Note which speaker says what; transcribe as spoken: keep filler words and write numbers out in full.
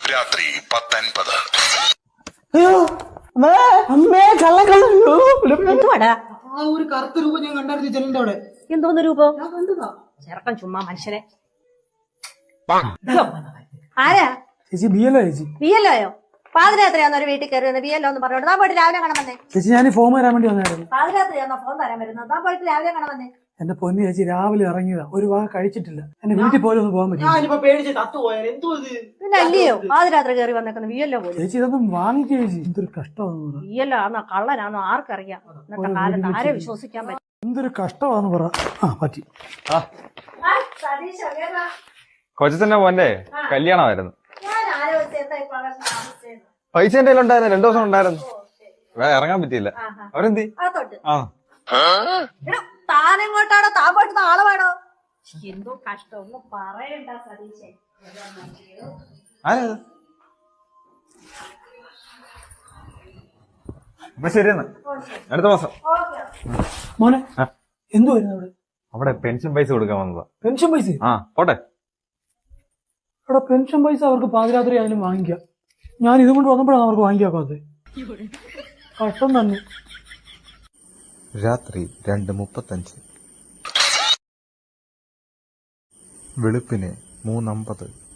Speaker 1: രാത്രി പത്തൻപത്.
Speaker 2: അയ്യോ അമ്മേ കള്ളക്കള്ളോ
Speaker 3: എന്തുവാടാ
Speaker 2: ആ ഒരു കറുത്ത രൂപം ഞാൻ കണ്ടായിരുന്നു ജനലിന്റെ അവിടെ.
Speaker 3: എന്തോന്ന് രൂപം?
Speaker 2: ഞാൻ കണ്ടതാ.
Speaker 3: ചെറുക്കൻ ചുമ്മാ മനുഷ്യനെ. ആരാ
Speaker 2: ചേച്ചി ബിയല്ലോ ചേച്ചി
Speaker 3: ബി എൽ ഒയോ? പാതിരാത്രിയാന്നോ ഒരു വീട്ടിൽ കയറി വന്നത്? ബി എൽ ഒ എന്ന് പറഞ്ഞോട്ട് താൻ പോയിട്ട് രാവിലെ കാണാൻ വന്നേ.
Speaker 2: ചേച്ചി ഞാൻ ഫോം വരാൻ വേണ്ടി വന്നായിരുന്നു.
Speaker 3: പാതിരാത്രിയാന്നോ ഫോൺ തരാൻ വരുന്നത്? താൻ പോയിട്ട് രാവിലെ കാണാൻ വന്നേ.
Speaker 2: എന്റെ പൊന്നു ചേച്ചി രാവിലെ ഇറങ്ങിയതാ, ഒരു ഭാഗം കഴിച്ചിട്ടില്ല. എന്റെ വീട്ടിൽ പോലും ഒന്ന് പോകാൻ പറ്റില്ല.
Speaker 3: പിന്നെ അല്ലയോ പാതിരാത്രി കയറി വന്നേക്കുന്നത് ബി എൽ ഒ പോലും.
Speaker 2: ചേച്ചി ഇതൊന്നും വാങ്ങിക്കേ ചേച്ചി. എന്തൊരു കഷ്ടമാണെന്ന് പറ.
Speaker 3: ബി എൽ ഒ ആണോ കള്ളനാണോ ആർക്കറിയാം? ഇന്നത്തെ കാലത്ത് ആരെ വിശ്വസിക്കാൻ പറ്റും?
Speaker 2: എന്തൊരു കഷ്ടമാണെന്ന് പറ. ആ പറ്റി.
Speaker 4: കൊച്ചത്തിന്റെ മോന്റെ കല്യാണമായിരുന്നു. പൈസ എന്റെ കയ്യിലുണ്ടായിരുന്നു, രണ്ടു ദിവസം ഉണ്ടായിരുന്നു. ഇറങ്ങാൻ പറ്റിയില്ല. അവരെന്തി? ആ
Speaker 3: താനെങ്ങോട്ടാണോ താൻ പോയിട്ട് നാളെ വേണോ? എന്തോ കഷ്ടം ഒന്നും പറയണ്ട സതീശേ.
Speaker 4: ആരത്? അപ്പൊ ശരിയെന്ന്, അടുത്ത മാസം.
Speaker 2: മോനെ എന്തുവായിരുന്നു അവിടെ?
Speaker 4: അവിടെ പെൻഷൻ പൈസ കൊടുക്കാൻ വന്നതാ.
Speaker 2: പെൻഷൻ പൈസ?
Speaker 4: ആ പോട്ടെ.
Speaker 2: അവിടെ പെൻഷൻ പൈസ അവർക്ക് പാതിരാത്രി ആയാലും വാങ്ങിക്കാം. ഞാൻ ഇതും കൊണ്ട് വന്നപ്പോഴാണ് അവർക്ക് വാങ്ങിക്കാത്തത്. കഷ്ടം തന്നെ.
Speaker 5: രാത്രി രണ്ട് മുപ്പത്തഞ്ച്. വെളുപ്പിന് മൂന്നമ്പത്.